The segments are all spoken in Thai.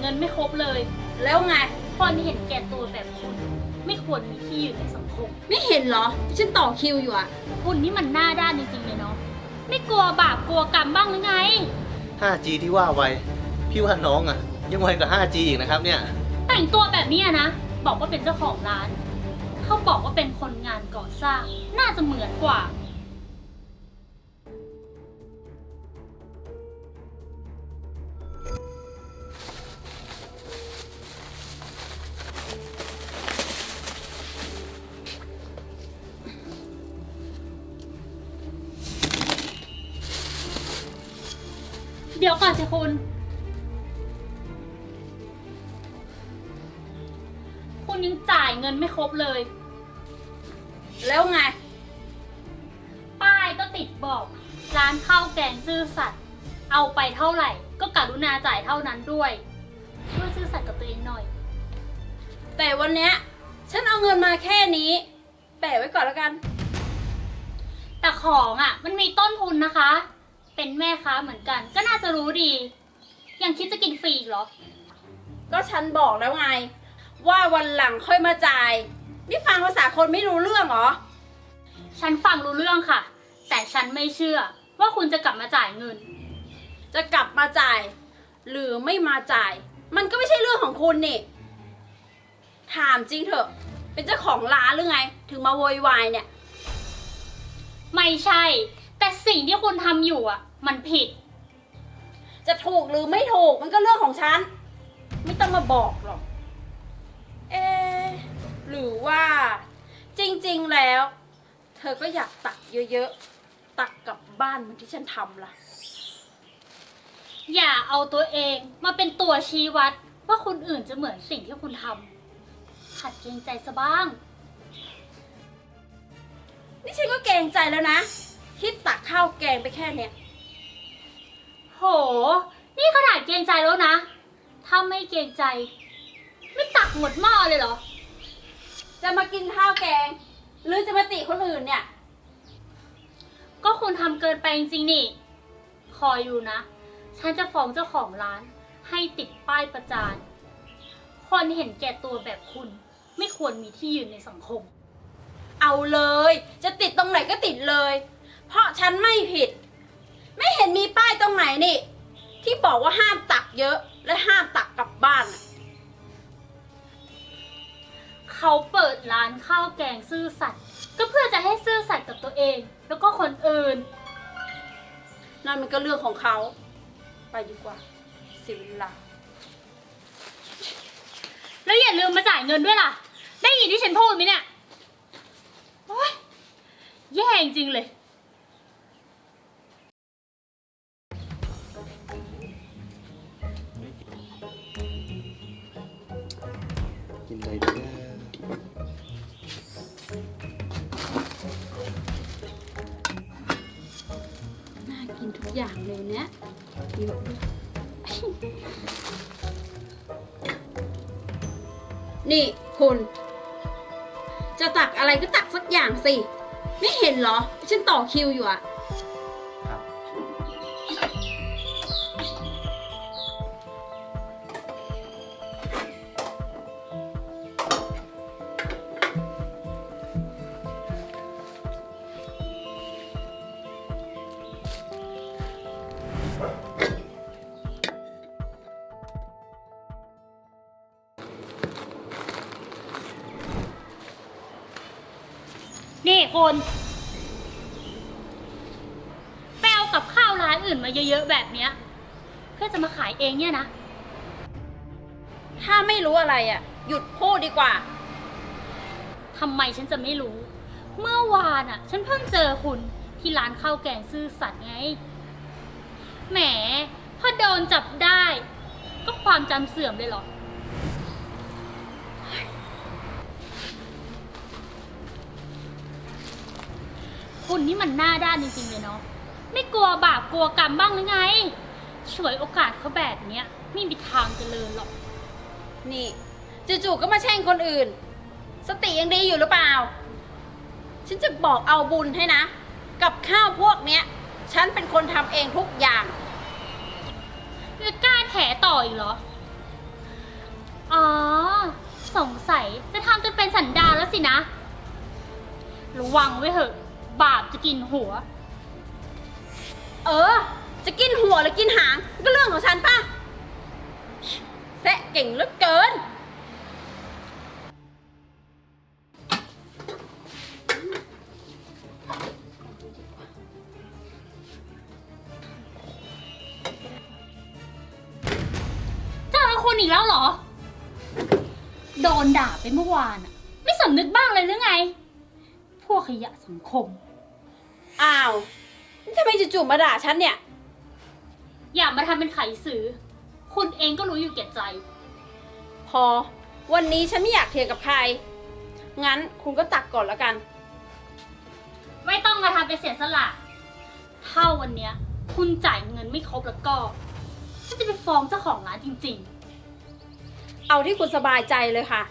เงินไม่ครบเลยแล้วไงคนเห็นแก่ตัวแบบคุณไม่ควรมีที่อยู่ในสังคมไม่เห็นเหรอฉันต่อคิวอยู่อะคุณนี่มันหน้าด้านจริงๆเลยเนาะไม่กลัวบาปกลัวกรรมบ้างหรือไง 5G ที่ว่าไวพี่ว่าน้องอ่ะยังไวกว่า 5G อีกนะครับเนี่ยแต่งตัวแบบนี้นะบอกว่าเป็นเจ้าของร้านเขาบอกว่าเป็นคนงานก่อสร้างน่าจะเหมือนกว่า เดี๋ยวก่อนสิคุณ คุณยังจ่ายเงินไม่ครบเลยแล้วไงป้ายก็ติดบอกร้านข้าวแกงซื่อสัตย์เอาไปเท่าไหร่ ก็กรุณาจ่ายเท่านั้นด้วยช่วยซื่อสัตย์กับตัวเองหน่อยแต่วันเนี้ยฉันเอาเงินมาแค่นี้ แปะไว้ก่อนแล้วกันแต่ของอ่ะ มันมีต้นทุนนะคะ เป็นแม่ค้าเหมือนกัน ก็น่าจะรู้ดี ยังคิดจะกินฟรีอีกเหรอก็ฉันบอกแล้วไง ว่าวันหลังค่อยมาจ่าย นี่ฟังภาษาคนไม่รู้เรื่องเหรอฉันฟังรู้เรื่องค่ะ แต่ฉันไม่เชื่อ ว่าคุณจะกลับมาจ่ายเงินจะกลับมาจ่าย หรือไม่มาจ่าย มันก็ไม่ใช่เรื่องของคุณนี่ ถามจริงเถอะ เป็นเจ้าของร้านหรือไง ถึงมาโวยวายเนี่ยไม่ใช่ แต่สิ่งที่คุณทำอยู่อ่ะ มันผิดจะถูกหรือไม่ถูกมันก็เรื่องของฉัน ไม่ต้องมาบอกหรอก เอะหรือว่าจริงๆแล้ว เธอก็อยากตักเยอะๆ ตักกลับบ้านเหมือนที่ฉันทำล่ะอย่าเอาตัวเองมาเป็นตัวชี้วัดว่าคนอื่นจะเหมือนสิ่งที่คุณทำหัดเกรงใจซะบ้างนี่ฉันก็เกรงใจแล้วนะที่ตักข้าวแกงไปแค่เนี้ยโห นี่ขนาดเกรงใจแล้วนะ ถ้าไม่เกรงใจ ไม่ตักหมดหม้อเลยเหรอจะมากินข้าวแกง หรือจะมาติคนอื่นเนี่ยก็คุณทำเกินไปจริงๆนี่ คอยอยู่นะ ฉันจะฟ้องเจ้าของร้าน ให้ติดป้ายประจาน คนเห็นแก่ตัวแบบคุณ ไม่ควรมีที่ยืนในสังคมเอาเลย จะติดตรงไหนก็ติดเลย เพราะฉันไม่ผิด ไม่เห็นมีป้ายตรงไหนนี่ ที่บอกว่าห้ามตักเยอะ และห้ามตักกลับบ้านน่ะเขาเปิดร้านข้าวแกงซื่อสัตย์ก็เพื่อจะให้ซื่อสัตย์กับตัวเอง แล้วก็คนอื่นนั่นมันก็เรื่องของเขา ไปดีกว่าเสียเวลาแล้วอย่าลืมมาจ่ายเงินด้วยล่ะ ได้ยินที่ฉันพูดไหมเนี่ยโอ๊ยแย่จริงๆเลยกินอะไรดีนะน่ากินทุกอย่างเลยเนี่ยเยอะด้วย นี่คุณ จะตักอะไรก็ตักสักอย่างสิ ไม่เห็นเหรอ ฉันต่อคิวอยู่อะครับนี่คุณไปเอากับข้าวร้านอื่นมาเยอะๆแบบเนี้ยเพื่อจะมาขายเองเนี่ยนะถ้าไม่รู้อะไรอะหยุดพูดดีกว่าทำไมฉันจะไม่รู้ เมื่อวานอ่ะ ฉันเพิ่งเจอคุณที่ร้านข้าวแกงซื่อสัตย์ไง แหม พอโดนจับได้ ก็ความจำเสื่อมเลยเหรอ คุณนี่มันหน้าด้านจริงๆเลยเนาะ ไม่กลัวบาปกลัวกรรมบ้างหรือไง ฉวยโอกาสเขาแบบเนี้ยไม่มีทางเจริญหรอกนี่จู่ๆก็มาแช่งคนอื่น สติยังดีอยู่หรือเปล่า ฉันจะบอกเอาบุญให้นะ กับข้าวพวกเนี้ย ฉันเป็นคนทำเองทุกอย่างจะกล้าแถต่ออีกเหรอสงสัยจะทำจนเป็นสันดานแล้วสินะ ระวังไว้เถอะ บาปจะกินหัวจะกินหัวหรือกินหางก็เรื่องของฉันป่ะแซะเก่งเหลือเกินเจอคุณอีกแล้วเหรอ โดนด่าไปเมื่อวานอะไม่สำนึกบ้างเลยหรือไง พวกขยะสังคมอ้าวนี่ทำไมจู่ๆมาด่าฉันเนี่ยอย่ามาทำเป็นไขสื่อ คุณเองก็รู้อยู่แก่ใจพอ วันนี้ฉันไม่อยากเถียงกับใคร งั้นคุณก็ตักก่อนแล้วกันไม่ต้องมาทำเป็นเสียสละถ้าวันเนี้ย คุณจ่ายเงินไม่ครบแล้วก็ฉันจะไปฟ้องเจ้าของร้านจริงเอาที่คุณสบายใจเลยค่ะ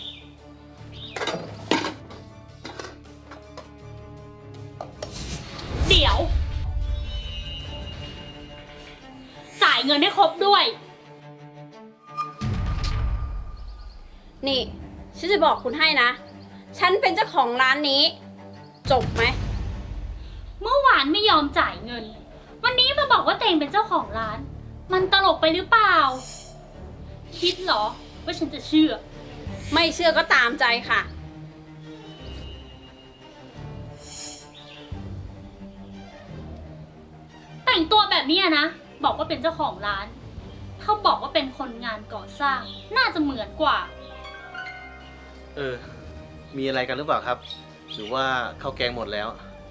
ๆ เดี๋ยว จ่ายเงินให้ครบด้วยนี่ ฉันจะบอกคุณให้นะ ฉันเป็นเจ้าของร้านนี้ จบไหมเมื่อวานไม่ยอมจ่ายเงิน วันนี้มาบอกว่าเตงเป็นเจ้าของร้าน มันตลกไปหรือเปล่า คิดเหรอว่าฉันจะเชื่อไม่เชื่อก็ตามใจค่ะแต่งตัวแบบนี้นะ บอกว่าเป็นเจ้าของร้าน ถ้าบอกว่าเป็นคนงานก่อสร้าง น่าจะเหมือนกว่ามีอะไรกันหรือเปล่าครับ หรือว่าข้าวแกงหมดแล้ว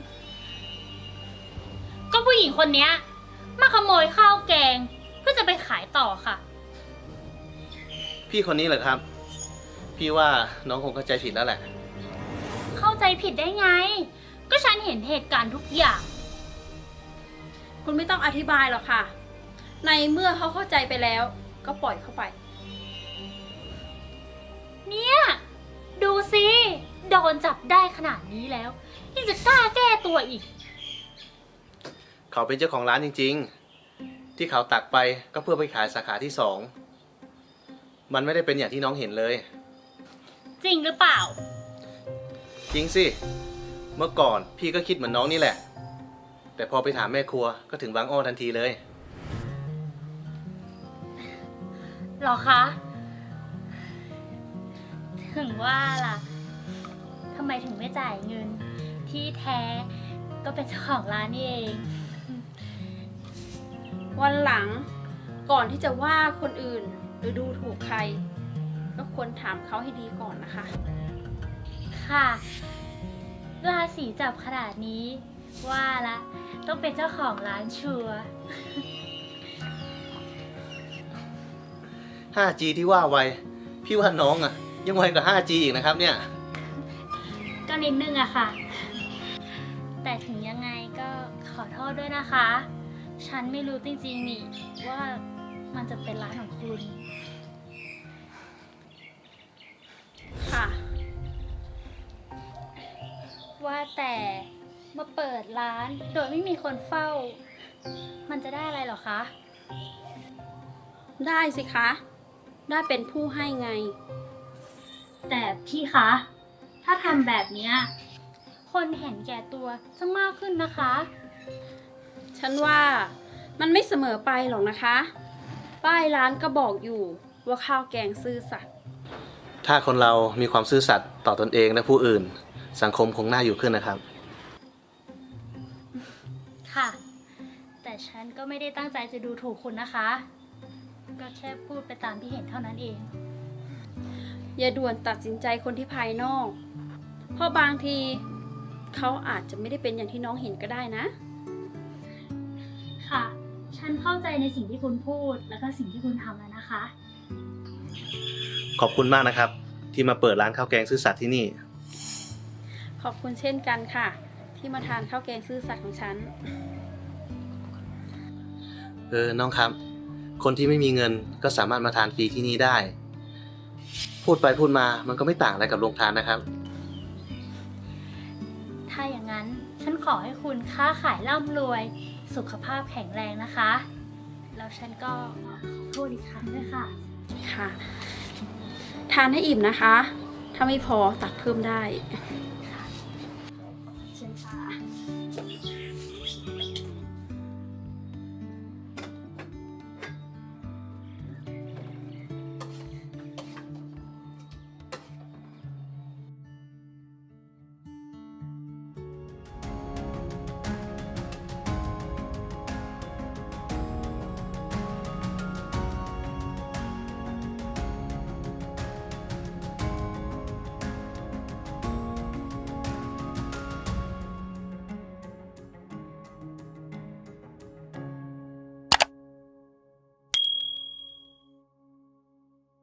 ก็ผู้หญิงคนเนี้ยมาขโมยข้าวแกง เพื่อจะไปขายต่อค่ะพี่คนนี้เหรอครับ พี่ว่าน้องคงเข้าใจผิดแล้วแหละเข้าใจผิดได้ไง ก็ฉันเห็นเหตุการณ์ทุกอย่างคุณไม่ต้องอธิบายหรอกค่ะ ในเมื่อเขาเข้าใจไปแล้ว ก็ปล่อยเข้าไปเนี่ย ดูสิโดนจับได้ขนาดนี้แล้วยังจะกล้าแก้ตัวอีกเขาเป็นเจ้าของร้านจริงๆ ที่เขาตักไปก็เพื่อไปขายสาขาที่ 2 มันไม่ได้เป็นอย่างที่น้องเห็นเลยจริงหรือเปล่าจริงสิ เมื่อก่อนพี่ก็คิดเหมือนน้องนี่แหละ แต่พอไปถามแม่ครัวก็ถึงบางอ้อทันทีเลยหรอคะ ถึงว่าล่ะทำไมถึงไม่จ่ายเงิน ที่แท้ก็เป็นเจ้าของร้านนี่เองวันหลังก่อนที่จะว่าคนอื่นหรือดูถูกใคร ก็ควรถามเขาให้ดีก่อนนะคะค่ะราศีจับขนาดนี้ ว่าละต้องเป็นเจ้าของร้านชัวร์ 5G ที่ว่าไว พี่ว่าน้องอ่ะ ยังไวกว่า 5G อีกนะครับเนี่ยก็นิดนึงอะค่ะ แต่ถึงยังไงก็ขอโทษด้วยนะคะ ฉันไม่รู้จริงๆนี่ว่ามันจะเป็นร้านของคุณค่ะว่าแต่มาเปิดร้านโดยไม่มีคนเฝ้า มันจะได้อะไรเหรอคะได้สิคะ ได้เป็นผู้ให้ไงแต่พี่คะ ถ้าทำแบบเนี้ยคนเห็นแก่ตัวจะมากขึ้นนะคะฉันว่ามันไม่เสมอไปหรอกนะคะ ป้ายร้านก็บอกอยู่ว่าข้าวแกงซื่อสัตย์ถ้าคนเรามีความซื่อสัตย์ต่อตนเองและผู้อื่น สังคมคงน่าอยู่ขึ้นนะครับค่ะ แต่ฉันก็ไม่ได้ตั้งใจจะดูถูกคุณนะคะ ก็แค่พูดไปตามที่เห็นเท่านั้นเองอย่าด่วนตัดสินใจคนที่ภายนอก เพราะบางทีเขาอาจจะไม่ได้เป็นอย่างที่น้องเห็นก็ได้นะค่ะ ฉันเข้าใจในสิ่งที่คุณพูดแล้วก็สิ่งที่คุณทำแล้วนะคะขอบคุณมากนะครับ ที่มาเปิดร้านข้าวแกงซื่อสัตย์ที่นี่ขอบคุณเช่นกันค่ะ ที่มาทานข้าวแกงซื่อสัตย์ของฉันน้องครับ คนที่ไม่มีเงินก็สามารถมาทานฟรีที่นี่ได้ พูดไปพูดมามันก็ไม่ต่างอะไรกับโรงทานนะครับถ้าอย่างนั้นฉันขอให้คุณค้าขายร่ำรวย สุขภาพแข็งแรงนะคะ แล้วฉันก็ขอโทษอีกครั้งด้วยค่ะค่ะทานให้อิ่มนะคะ ถ้าไม่พอตักเพิ่มได้